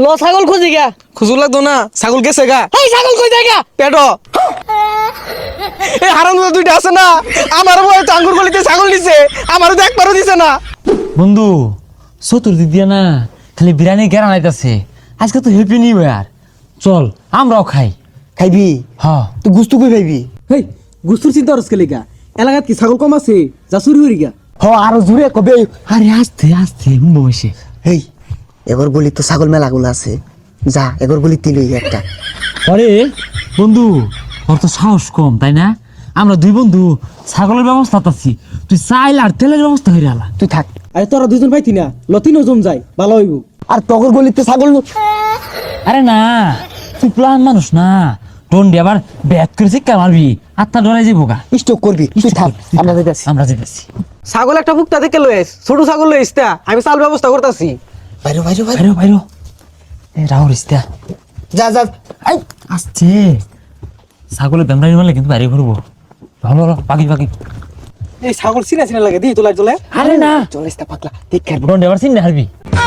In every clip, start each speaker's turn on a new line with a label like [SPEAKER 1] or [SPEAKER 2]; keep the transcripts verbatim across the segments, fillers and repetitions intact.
[SPEAKER 1] ল ছাগল খুঁজি গা।
[SPEAKER 2] খুঁজু লাগতো না, ছাগল গেছে গা।
[SPEAKER 1] এই ছাগল কই যায় গা?
[SPEAKER 2] পেটো এই হারাম দুইটা আছে না, আমার বয় তো আঙ্গুর গলিতে ছাগল দিছে, আমারও তো একবারও দিছে না।
[SPEAKER 3] বন্ধু চতুর্দিক দিয়া না খালি বিরিয়ানি গেরা নাইতাছে। আজকে তো হ্যাপি নিউ ইয়ার, চল আমরাও খাই।
[SPEAKER 4] খাইবি?
[SPEAKER 3] হ্যাঁ
[SPEAKER 4] তুই গুস্তু কই পাইবি?
[SPEAKER 5] হেই গুস্তুর চিন্তা করছ কেলিকা? এলাকাত কি ছাগল কম আছে যা চুরি হরি গা?
[SPEAKER 4] হ আরো জুড়ে কবে?
[SPEAKER 3] আরে আস্তে আস্তে বসে।
[SPEAKER 4] হেই এগর গলি তো ছাগল মেলাগুলো আছে, যা এগর গলি তিলই একটা।
[SPEAKER 3] আরে বন্ধু ওর তো সাহস কম তাই না? আমরা দুই বন্ধু ছাগলের ব্যবস্থা আছি, তুই চাইল আর তেলের ব্যবস্থা হয়ে আলা।
[SPEAKER 4] তুই থাক।
[SPEAKER 5] আরে তোরা দুজন পাইতি না, লতিনও জম যায় ভালো হইব।
[SPEAKER 4] আর তগর গলিতে ছাগল
[SPEAKER 3] আরে না তুই প্লান মানুষ না, টন্ডি আবার ব্যাট করে শিক্ষা মারবি, আত্মা ডরাই যাবো গা।
[SPEAKER 4] স্টক করবি, তুই থাক, আমরা যাইতাছি।
[SPEAKER 3] আমরা যেতেছি।
[SPEAKER 2] ছাগল একটা ভুক্তা থেকে লয়েস, ছোট ছাগল লয়েস তা আমি চাল ব্যবস্থা করতেছি।
[SPEAKER 4] বাইরে বাইরে বাইরে
[SPEAKER 3] বাইরো বাইরো এ রাহুল ইস্তা
[SPEAKER 4] যা যা। এই
[SPEAKER 3] আসছে ছাগলের বেমরানি মারলে কিন্তু বাইরে ঘুরবো। ভালো ভালো পাখি পাখি।
[SPEAKER 5] এই ছাগল চিনা চিনা লাগে দি তোলা চলে।
[SPEAKER 3] আরে না
[SPEAKER 4] চলিস তা পাগলা, দেখ আর
[SPEAKER 3] টন্ডি আবার চিন্তা হারবি।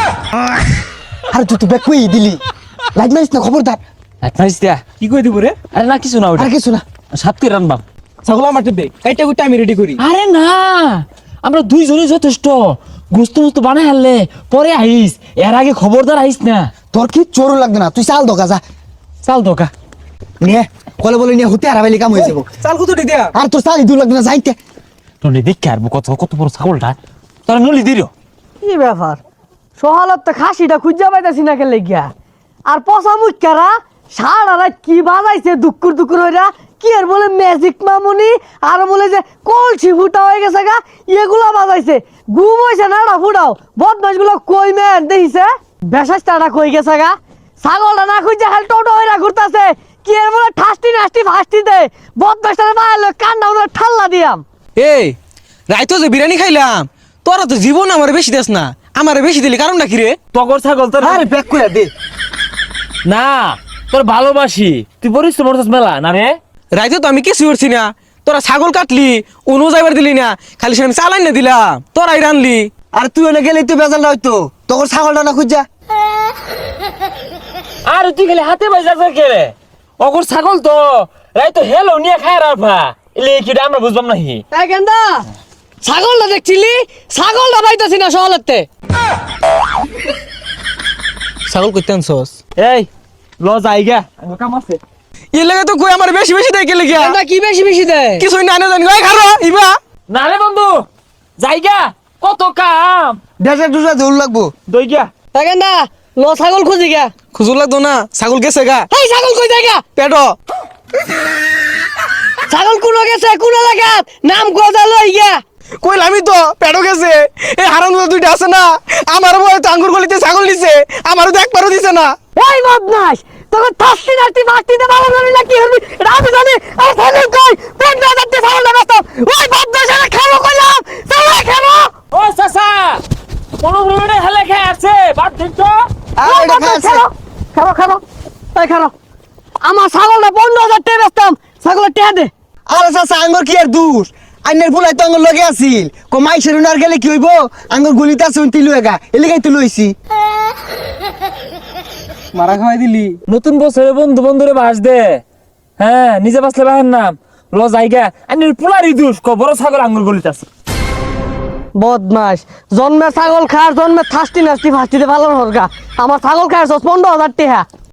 [SPEAKER 4] আরে তুই তো ব্যাক কই দিলি, লাইট মারিস না, খবরদার।
[SPEAKER 3] আচ্ছা ইস্তা
[SPEAKER 5] কি কই দিব রে?
[SPEAKER 3] আরে না কিছু না ওটা
[SPEAKER 4] আর কিছু না।
[SPEAKER 3] সাত করে রানবাম।
[SPEAKER 5] ছাগল আমার দে, এইটা কইটা আমি রেডি করি।
[SPEAKER 3] আরে না আমরা দুইজনই যথেষ্ট, গুস্ত মুস্ত বানাই হারলে পরে আইস, এর আগে খবরদার আইস না।
[SPEAKER 4] তোর কি চোরও লাগবে না, তুই চাল দোকা যা।
[SPEAKER 3] চাল দোকা
[SPEAKER 4] নিয়ে কলে বলে নিয়ে হতে হারাবাইলি কাম হয়ে যাবো।
[SPEAKER 5] চাল কত দিয়া?
[SPEAKER 4] আর তোর চাল ইদু লাগবে না, যাইতে।
[SPEAKER 3] টন্ডি দেখে আর কত কত বড় ছাগলটা তোরা নলি দিল।
[SPEAKER 1] কি ব্যাপার? সহালত তো খাসিটা খুঁজা পাইতাছি না কে লেগিয়া। আর পচা মুখারা সারা রাত কি বাজাইছে দুকুর দুকুর হইরা, কি আর বলে ম্যাজিক মামুনি, আর বলে যে কলসি ফুটা হয়ে গেছে গা, এগুলা বাজাইছে। ঘুম হইছে না না ফুটাও, বদমাস গুলো কই মেন দেখিছে, বেশাসটা কই গেছে গা। ছাগলটা না খুঁজা খালি টোটো হইরা ঘুরতাছে, কি আর বলে ঠাস্তি নাস্তি ফাস্তি দে, বদমাসটা বাইরে কান্না উনার ঠাল্লা দিয়াম।
[SPEAKER 2] এই রাইতো যে বিরিয়ানি খাইলাম, তোরা তো জীবন আমার বেশি দেস না, আমার বেশি দিলি কারণটা কি রে?
[SPEAKER 3] তগর ছাগল তোর
[SPEAKER 4] আরে ব্যাক করে দে।
[SPEAKER 3] না তোর ভালোবাসি, তুই পরিশ্রম করছিস মেলা না রে।
[SPEAKER 2] রাইতো তো আমি কিছু করছি না, তোরা ছাগল কাটলি উনো যাইবার দিলি না, খালি সে আমি চালাই না দিলাম, তোরাই রানলি।
[SPEAKER 4] আর তুই ওনে গেলে তুই বেজাল হয়তো, তোর ছাগলটা না খুঁজা।
[SPEAKER 3] আর তুই খালি হাতে বাজা কে রে? অগর ছাগল তো রাই তো হেলো নিয়ে খায় রাফা, এলে কি আমরা বুঝবাম নাহি।
[SPEAKER 1] এই গেন্দা ছাগলটা দেখছিলি, ছাগলটা পাইতাছি না সহলতে।
[SPEAKER 2] ছাগল করতে আনছস?
[SPEAKER 3] এই ল যাইগা আমার কাম আছে।
[SPEAKER 2] এর লাগে তো কই আমার বেশি বেশি দেয় কে লেগিয়া?
[SPEAKER 1] গেন্দা কি বেশি বেশি দেয়?
[SPEAKER 2] কিছুই না না জানি, ওই খারো ইবা।
[SPEAKER 3] না রে বন্ধু যাইগা, কত কাম
[SPEAKER 4] ডেসে দুসা দৌড় লাগবো।
[SPEAKER 3] দই গা।
[SPEAKER 1] এই গেন্দা ল ছাগল খুঁজি গা।
[SPEAKER 2] খুঁজু লাগতো না, ছাগল গেছে গা।
[SPEAKER 1] এই ছাগল কই যায় গা?
[SPEAKER 2] পেটো
[SPEAKER 1] ছাগল কোন গেছে কোন এলাকাত, নাম কোজা লই গা।
[SPEAKER 2] কইলামই তো পেটো গেছে। এই হারাম দুইটা আছে না, আমার বয় তো আঙ্গুর গলিতে ছাগল দিছে, আমারও তো একবারও দিছে না।
[SPEAKER 1] ওই বদমাস তোকে থাস্তি নাস্তি ফাস্তি দে ভালো জানি না কি হবি, এটা আমি জানি। আর ছাগল কই পেট না যাচ্ছে ছাগল না ব্যস্ত। ওই বদমাস এর খাবো কইলাম, ছাগল খাবো।
[SPEAKER 3] ও চাচা কোন রুমে হেলে খেয়ে আছে বাদ দিন তো।
[SPEAKER 4] আর
[SPEAKER 1] ওই
[SPEAKER 4] এটা
[SPEAKER 1] বদমাস
[SPEAKER 4] খাচ্ছে।
[SPEAKER 1] খাবো খাবো খাবো। এই খাবো আমার ছাগলটা পনেরো হাজার টাকা বেচতাম, ছাগলের টাকা দে।
[SPEAKER 4] আরে চাচা আঙ্গুর কি আর দূর, আইনের ফুলাই তো আঙ্গুর লগে আছিল। কো মাইসের উনার গেলে কি হইব, আঙ্গুর গলিতে আছে উনতি লুয়েগা, এলিগাই তো লইছি।
[SPEAKER 5] মারা খাওয়াই দিলি।
[SPEAKER 3] নতুন বছরে বন্ধু বন্ধুরে বাস দে, হ্যাঁ নিজে বাসলে বাহের নাম ল যাইগা। আইনের পোলারি দুষ ক বড় ছাগল আঙ্গুর গলিতে আছে।
[SPEAKER 1] বদমাস জন্মের ছাগল খার, জন্মের থাস্তি নাস্তি ফাস্তি দে ভালো হরগা। আমার ছাগল খায় পনেরো হাজার টাকা।